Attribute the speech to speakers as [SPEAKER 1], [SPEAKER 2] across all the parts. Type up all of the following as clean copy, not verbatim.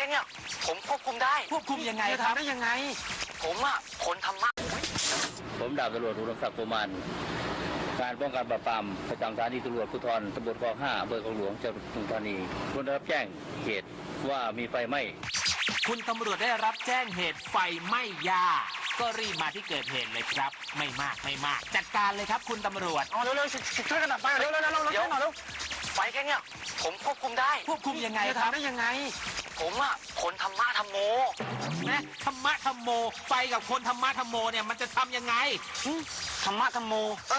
[SPEAKER 1] ค่เนี่ยผมควบคุมได้
[SPEAKER 2] ควบคุมยังไงครับได้ยังไง
[SPEAKER 1] ผมอะคนธรรมะ
[SPEAKER 3] ผมดาบตำรวจอุดมศักดิ์โกมานการป้องกันปราบปรามประจำสถานีตำรวจภูธรตำบลคลอง 5อำเภอคลองหลวงจังหวัดปทุมธานีคุณได้รับแจ้งเหตุว่ามีไฟไหม้
[SPEAKER 2] คุณตำรวจได้รับแจ้งเหตุไฟไหม้ยาก็รีบมาที่เกิดเหตุเลยครับไม่มากจัดการเลยครับคุณตำรวจ
[SPEAKER 1] เร็วช่วยกันดับไฟเร็วเดี๋ยวไฟแค่เนี่ยผมควบคุมได้
[SPEAKER 2] ควบคุมยังไงครับได้ยังไง
[SPEAKER 1] ผมอะคนธรรมะธรรมโม
[SPEAKER 2] นะธรรมะธรรมโมไฟกับคนธรรมะธรรมโมเนี่ยมันจะทำยังไง
[SPEAKER 1] ธรรมะธรรมโม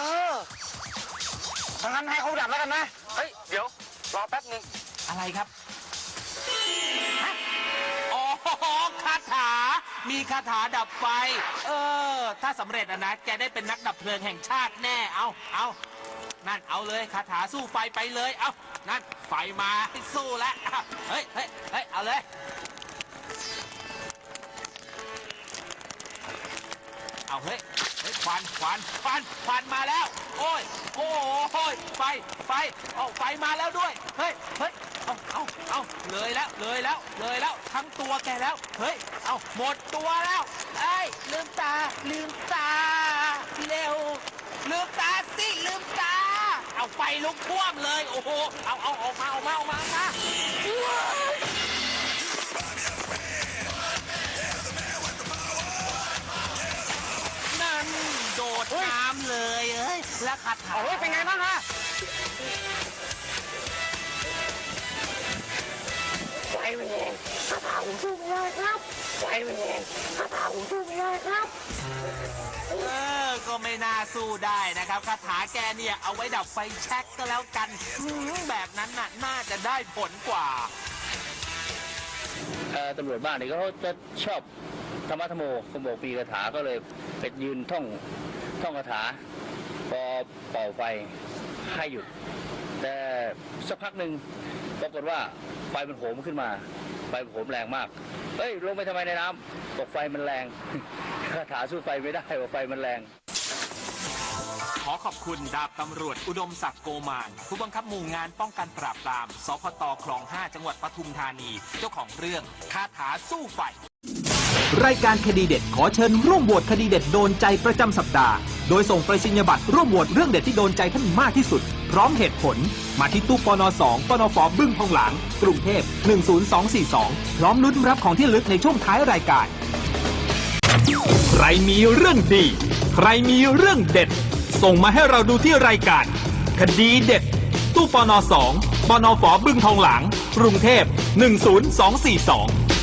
[SPEAKER 1] ถ้างั้นให้เขาดับแล้วกันนะเฮ้ยเดี๋ยวรอแป๊บนึง
[SPEAKER 2] อะไรครับอ๋อคาถามีคาถาดับไฟถ้าสำเร็จนะแกได้เป็นนักดับเพลิงแห่งชาติแน่เอานั่นเอาเลยคาถาสู้ไฟไปเลยเอานั่นไฟมาสู้แล้วเฮ้ยเอาเลยเอาเฮ้ยควันมาแล้วโอ้ยไฟเอาไฟมาแล้วด้วยเฮ้ยเอาเลยแล้วทั้งตัวแกแล้วเฮ้ยเอาหมดตัวแล้วลืมตาเร็วลืมตาสิลืมตาเอาไฟลุกท่วมเลยโอ้โหเอาออกมานั่นโดดน้ำเลยแล้วคาถา
[SPEAKER 1] เป็นไงบ้างฮะไฟมันแรงคาถาผมสู้ไม่ได้ครับไฟมันแรงคาถาผมสู้ไม่ได้ครับ
[SPEAKER 2] ก็ไม่น่าสู้ได้นะครับคาถาแกเนี่ยเอาไว้ดับไฟแช็กก็แล้วกันแบบนั้นน่าจะได้ผลกว่า
[SPEAKER 3] ตำรวจบ้านนี่เขาจะชอบธรรมะธรรมโมขโมยปีคาถาก็เลยไปยืนท่องคาถาพอเป่าไฟให้หยุดแต่สักพักหนึ่งปรากฏว่าไฟมันโหมขึ้นมาไฟมันโหมแรงมากลงไปทำไมในน้ำบอกไฟมันแรงคาถาสู้ไฟไม่ได้ว่าไฟมันแรง
[SPEAKER 2] ขอขอบคุณดาบตำรวจอุดมศักดิ์โกมานผู้บังคับหมู่งานป้องกันปราบปรามสพต.คลอง 5จังหวัดปทุมธานีเจ้าของเรื่องคาถาสู้ไฟ
[SPEAKER 4] รายการคดีเด็ดขอเชิญร่วมโหวตคดีเด็ดโดนใจประจำสัปดาห์โดยส่งไปรษณียบัตรร่วมโหวตเรื่องเด็ดที่โดนใจท่านมากที่สุดพร้อมเหตุผลมาที่ตู้ปน2ปนฟบึ้งทองหลางกรุงเทพ10242พร้อมลุ้นรับของที่ระลึกในช่วงท้ายรายการใครมีเรื่องดีใครมีเรื่องเด็ดส่งมาให้เราดูที่รายการคดีเด็ดตู้ปน2ปนฟบึ้งทองหลางกรุงเทพ10242